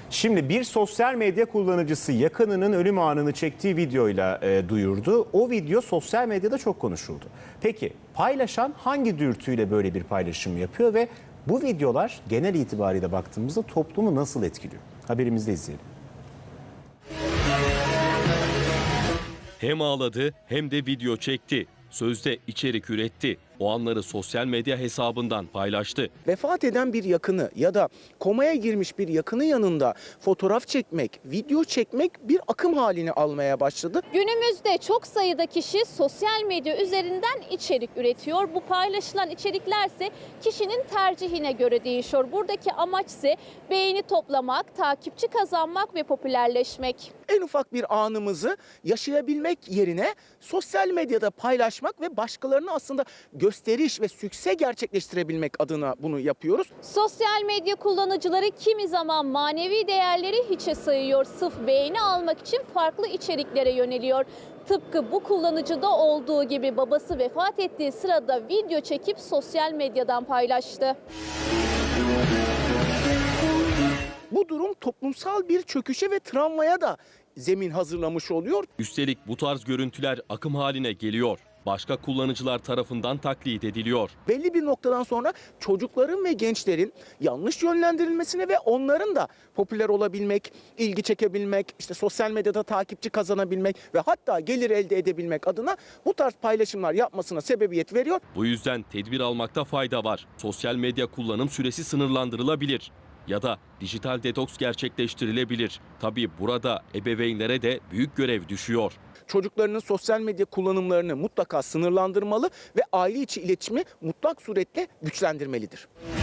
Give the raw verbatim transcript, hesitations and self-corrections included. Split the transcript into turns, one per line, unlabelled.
Şimdi bir sosyal medya kullanıcısı yakınının ölüm anını çektiği videoyla e, duyurdu. O video sosyal medyada çok konuşuldu. Peki paylaşan hangi dürtüyle böyle bir paylaşım yapıyor ve bu videolar genel itibariyle baktığımızda toplumu nasıl etkiliyor? Haberimizde izleyelim.
Hem ağladı hem de video çekti. Sözde içerik üretti. O anları sosyal medya hesabından paylaştı.
Vefat eden bir yakını ya da komaya girmiş bir yakını yanında fotoğraf çekmek, video çekmek bir akım halini almaya başladı.
Günümüzde çok sayıda kişi sosyal medya üzerinden içerik üretiyor. Bu paylaşılan içeriklerse kişinin tercihine göre değişiyor. Buradaki amaç ise beğeni toplamak, takipçi kazanmak ve popülerleşmek.
En ufak bir anımızı yaşayabilmek yerine sosyal medyada paylaşmak ve başkalarına aslında gösteriş ve sükse gerçekleştirebilmek adına bunu yapıyoruz.
Sosyal medya kullanıcıları kimi zaman manevi değerleri hiçe sayıyor. Sırf beğeni almak için farklı içeriklere yöneliyor. Tıpkı bu kullanıcıda olduğu gibi babası vefat ettiği sırada video çekip sosyal medyadan paylaştı.
Bu durum toplumsal bir çöküşe ve travmaya da zemin hazırlamış oluyor.
Üstelik bu tarz görüntüler akım haline geliyor. Başka kullanıcılar tarafından taklit ediliyor.
Belli bir noktadan sonra çocukların ve gençlerin yanlış yönlendirilmesine ve onların da popüler olabilmek, ilgi çekebilmek, işte sosyal medyada takipçi kazanabilmek ve hatta gelir elde edebilmek adına bu tarz paylaşımlar yapmasına sebebiyet veriyor.
Bu yüzden tedbir almakta fayda var. Sosyal medya kullanım süresi sınırlandırılabilir ya da dijital detoks gerçekleştirilebilir. Tabii burada ebeveynlere de büyük görev düşüyor.
Çocuklarının sosyal medya kullanımlarını mutlaka sınırlandırmalı ve aile içi iletişimi mutlak suretle güçlendirmelidir.